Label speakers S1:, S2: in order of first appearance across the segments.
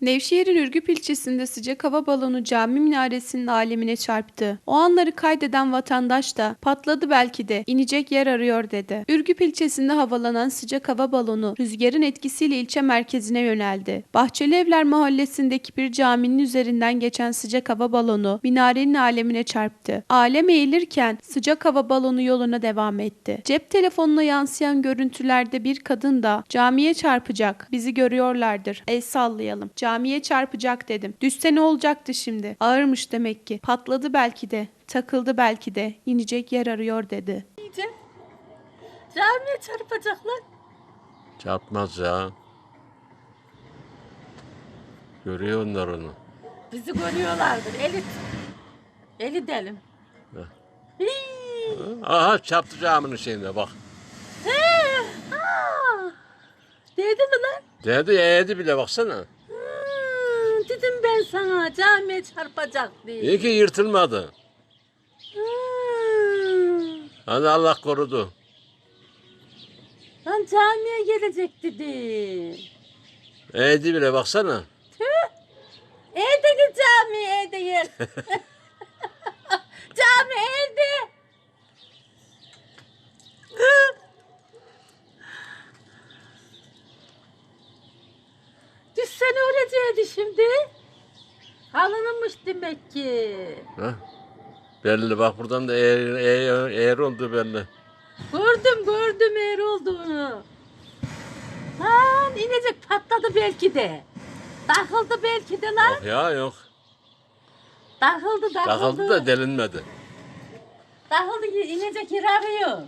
S1: Nevşehir'in Ürgüp ilçesinde sıcak hava balonu cami minaresinin alemine çarptı. O anları kaydeden vatandaş da patladı belki de inecek yer arıyor dedi. Ürgüp ilçesinde havalanan sıcak hava balonu rüzgarın etkisiyle ilçe merkezine yöneldi. Bahçelievler mahallesindeki bir caminin üzerinden geçen sıcak hava balonu minarenin alemine çarptı. Alem eğilirken sıcak hava balonu yoluna devam etti. Cep telefonuna yansıyan görüntülerde bir kadın da camiye çarpacak, bizi görüyorlardır, el sallayalım. Camiye çarpacak dedim. Düşse ne olacaktı şimdi? Ağırmış demek ki. Patladı belki de. Takıldı belki de. İnecek yer arıyor dedi.
S2: Diyeceğim. Camiye çarpacaklar.
S3: Çarpmaz ya. Görüyor onlar onu.
S2: Bizi görüyorlardır. Eli delim.
S3: Aha çarptı caminin şeyine bak.
S2: Dedi mi lan?
S3: Dedi eğdi bile baksana.
S2: Dedim ben sana camiye çarpacak diye.
S3: İyi ki yırtılmadı. Hadi Allah korudu.
S2: Lan camiye gelecek dedi.
S3: Eğdi bile baksana.
S2: Evde cami evde yer. Cami evde. Düşsene öleceğiydi şimdi. Alınmış demek ki.
S3: Heh. Belli bak buradan da eğer oldu belli.
S2: Gördüm eğer olduğunu. Lan inecek patladı belki de. Takıldı belki de lan.
S3: Yok ya yok.
S2: Takıldı.
S3: Takıldı da delinmedi.
S2: Takıldı inecek yer arıyor.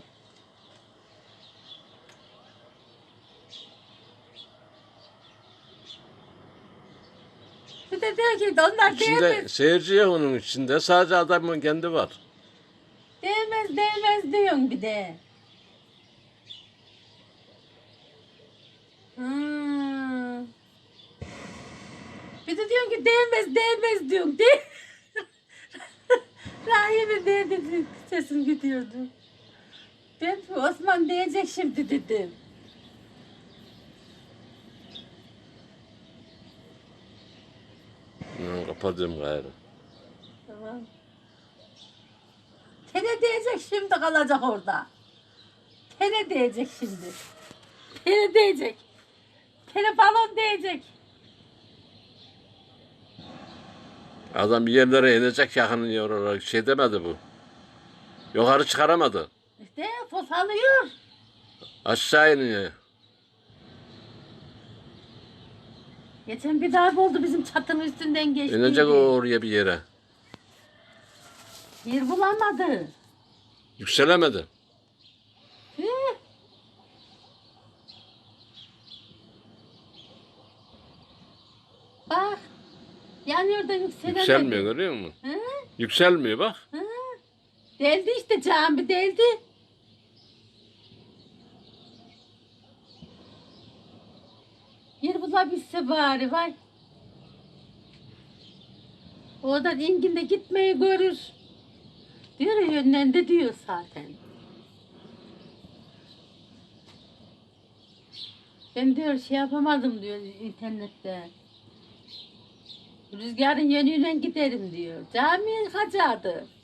S2: Bir de diyor ki onlar
S3: İçinde
S2: değmez.
S3: seyirci yok onun içinde. Sadece adamın kendi var.
S2: Değmez diyorsun bir de. Bir de diyorsun ki değmez diyorsun. Rahim'in değdi sesim gidiyordu. Ben Osman diyecek şimdi dedim.
S3: Kapatıyorum gayrı.
S2: Tamam. Tene diyecek şimdi kalacak orada. Tene diyecek şimdi. Tene diyecek. Tene balon diyecek.
S3: Adam bir yerlere inecek yakın yer olarak şey demedi bu. Yukarı çıkaramadı.
S2: İşte fosalıyor.
S3: Aşağı iniyor.
S2: Geçen bir darbe oldu bizim çatının üstünden geçti.
S3: İnecek o oraya bir yere.
S2: Yer bulamadı.
S3: Yükselemedi.
S2: Bak. Yanıyor da yükselemedi.
S3: Yükselmiyor görüyor musun?
S2: Hı?
S3: Yükselmiyor bak.
S2: Hı? Deldi işte cami deldi. Yer bulabilse bari vay. Oradan inginde gitmeyi görür. Diyor ya yönlendi diyor zaten. Ben diyor şey yapamadım diyor internette. Rüzgarın yönüyle giderim diyor. Camiye kaçardı.